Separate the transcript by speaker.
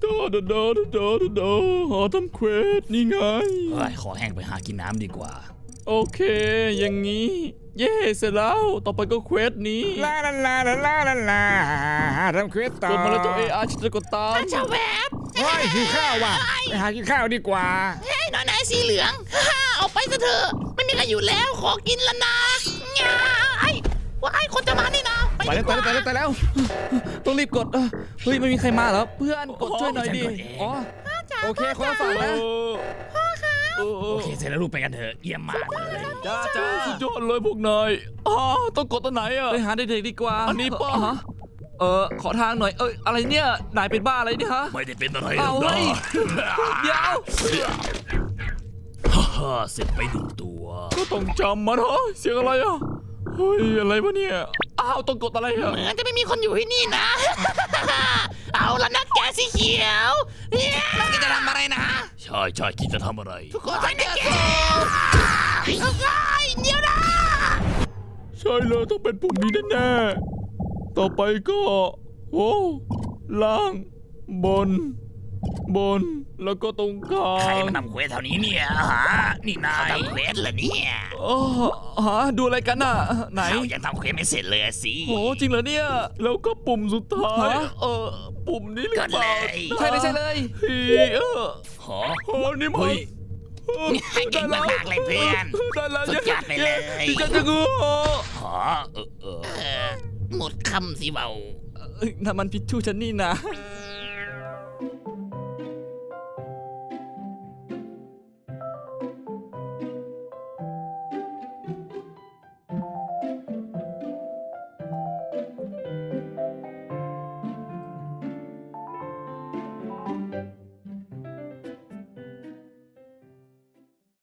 Speaker 1: หาทำเควสนี่ไง
Speaker 2: เฮ้ยขอแห้งไปหากินน้ำดีกว่า
Speaker 1: โอเคอย่างนี้เย่เสร็จแล้วต่อไปก็เควสนี้
Speaker 3: ลาลาลาลาลาลาลาทำเควสต่อก
Speaker 1: ดมาแล้วเจ้า AR ฉันจะกดตาม
Speaker 4: ชาวแวบ
Speaker 3: โอ้ยหิวข้าวว่ะไปหากินข้าวดีกว่า
Speaker 4: เฮ้ยน้อยนายสีเหลืองฮ่าเอาไปซะเถอะไม่มีใครอยู่แล้วขอกินแล้วนะง่าไอ้ว่าไอ้คนจะมานี่นะ
Speaker 1: ไปแล้วต้องรีบกดเฮ้ยไม่มีใครมาเหรอเพื่อนกดช่วยหน่อยดิอ๋อโอเคคนละฝั่งนะ
Speaker 2: โอเคเสร็จแล้วลูกไปกันเถอะเยี่ยมมากเลย
Speaker 1: จ้าสุดยอดเลยพวกนายต้องกดตัวไหนอ่ะไปหาเด็กๆดีกว่าอันนี้ป้าขอทางหน่อยอะไรเนี่ยนายเป็นบ้าอะไรเนี่ยฮะ
Speaker 2: ไม่ได้เป็นอะไรหร
Speaker 1: เอา
Speaker 2: อก
Speaker 1: เฮ้
Speaker 2: นะ
Speaker 1: ยเดี๋ยว
Speaker 2: ฮ่าเสร็จไปหนึ่งตัว
Speaker 1: ก็ต้องจำมันเหรอเสียงอะไรอ่ะเฮ้ยอะไรวะเนี่ยต้องกดอะไรอ่ะ
Speaker 4: เหมือนจะไม่มีคนอยู่ที่นี่นะ เอาละนะแกสีเขียวแล้วแกจะทำอะไรนะ
Speaker 2: ใช่คิดจะทำอะไร
Speaker 4: ทุกคนใส่แกเดี๋ยวนะ
Speaker 1: ใช่เลยต้องเป็นปุ่มนี้แน่ๆต่อไปก็ล่างบนแล้วก็ตรงกลา
Speaker 2: ใครง มาทำเควสแถวนี้เนี่ยฮะนี่นาย
Speaker 4: ทำเควสเหรอเนี่ย
Speaker 1: ดูอะไรกันน่ะไหน
Speaker 2: เขายังทำเควสไม่เสร็จเลยสิ
Speaker 1: โหจริงเหรอเนี่ยแล้วก็ปุ่มสุดท้ายปุ่มนี้หรือ
Speaker 2: ก็
Speaker 1: เป
Speaker 2: เล
Speaker 1: ล่าย ใช่เลย
Speaker 2: หอ
Speaker 1: นี่มัน
Speaker 2: เฮ้ย
Speaker 4: เก่งมากๆเลยเพื่อน
Speaker 1: ได้แล้ว
Speaker 4: สุดยอดไปเลย
Speaker 1: ดิฉันจะงู
Speaker 2: หอ
Speaker 4: หมดคำสิเบา
Speaker 1: นั่นมันพิชชูฉันนี่นะ
Speaker 4: เ